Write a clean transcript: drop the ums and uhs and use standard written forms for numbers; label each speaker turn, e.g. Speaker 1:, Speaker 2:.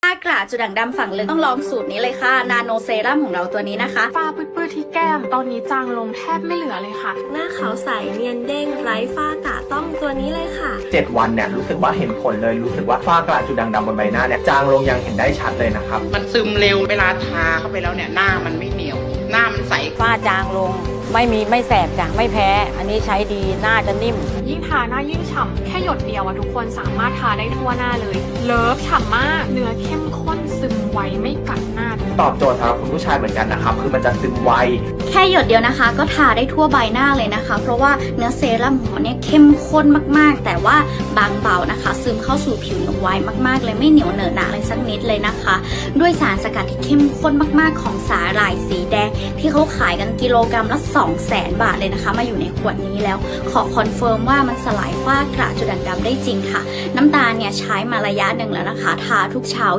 Speaker 1: กระจุดด่างดำฝั่งลึกต้องลองสูตรนี้เลยค่ะนาโนเซรั่มของเราตัวนี้นะคะ
Speaker 2: ฝ้าปื้ดๆที่แก้มตอนนี้จางลงแทบไม่เหลือเลยค่ะ
Speaker 3: หน้าขาวใสเนียนเด้งไร้ฝ้ากระต้องตัวนี้เลยค่ะ
Speaker 4: 7 วันเนี่ยรู้สึกว่าเห็นผลเลยรู้สึกว่าฝ้ากระจุดด่างดำบนใบหน้าเนี่ยจางลงยังเห็นได้ชัดเลยนะครับ
Speaker 5: มันซึมเร็วเวลาทาเข้าไปแล้วเนี่ยหน้ามันไม่เหนียวหน้ามันใส
Speaker 6: ฝ้าจางลงไม่แสบจ้ะไม่แพ้อันนี้ใช้ดีหน้าจะนิ่ม
Speaker 2: ยิ่งทาหน้ายิ่งฉ่ำแค่หยดเดียวทุกคนสามารถทาได้ทั่วหน้าเลยเลิฟฉ่ำมากเนื้อเข้มข้นซึมไวไม่กัดหน้า
Speaker 4: ตอบโจทย์สำหรับคุณผู้ชายเหมือนกันนะครับคือมันจะซึมไว
Speaker 1: แค่หยดเดียวนะคะก็ทาได้ทั่วใบหน้าเลยนะคะเพราะว่าเนื้อเซรั่มของเราเนี่ยเข้มข้นมากๆแต่ว่าบางเบานะคะซึมเข้าสู่ผิวไวมากๆเลยไม่เหนียวเหนอะหนะเลยสักนิดเลยนะคะด้วยสารสกัดที่เข้มข้นมากๆของสาหร่ายสีแดงที่เขาขายกันกิโลกรัมละ200,000 บาทเลยนะคะมาอยู่ในขวดนี้แล้วขอคอนเฟิร์มว่ามันสลายฝ้ากระจุดด่างดำได้จริงค่ะน้ำตาลเนี่ยใช้มาระยะหนึ่งแล้วนะคะทาทุกเช้า